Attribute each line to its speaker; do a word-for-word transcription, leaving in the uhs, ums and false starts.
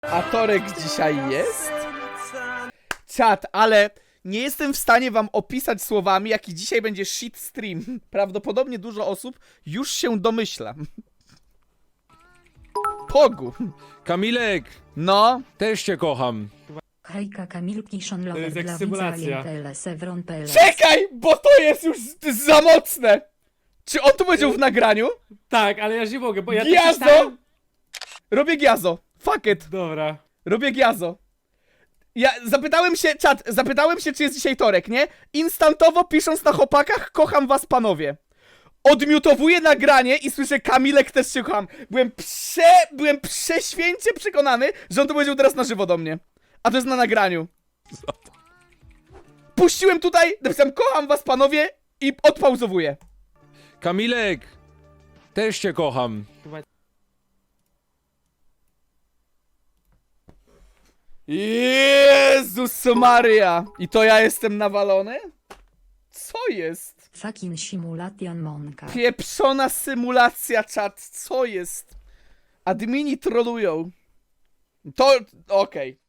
Speaker 1: A Torek dzisiaj jest? Czat, ale nie jestem w stanie wam opisać słowami, jaki dzisiaj będzie shit stream. Prawdopodobnie dużo osób już się domyśla. Pogu.
Speaker 2: Kamilek,
Speaker 1: No.
Speaker 2: też cię kocham.
Speaker 3: Hejka Kamil Kiszon
Speaker 4: To
Speaker 3: Lover
Speaker 4: jest jak
Speaker 3: dla
Speaker 4: symulacja.
Speaker 3: widza Sevron P L S.
Speaker 1: Czekaj, bo to jest już z- za mocne. Czy on tu powiedział w nagraniu?
Speaker 4: Tak, ale ja już nie mogę, bo ja to
Speaker 1: Giazo!
Speaker 4: przeczytałem-
Speaker 1: Robię giazo. Fuck it.
Speaker 4: Dobra.
Speaker 1: Robię giazo. Ja zapytałem się, czat, zapytałem się, czy jest dzisiaj Torek, nie? Instantowo pisząc na chłopakach, kocham was panowie. Odmiutowuję nagranie i słyszę, Kamilek, też się kocham. Byłem prze... byłem prześwięcie przekonany, że on to powiedział teraz na żywo do mnie. A to jest na nagraniu. Puściłem tutaj, napisałem, kocham was panowie i odpauzowuję.
Speaker 2: Kamilek, też cię kocham.
Speaker 1: Jezus Maria! I to ja jestem nawalony? Co jest?
Speaker 3: Fucking simulation Monka.
Speaker 1: Pieprzona symulacja, czat, co jest? Admini trolują. To, okej.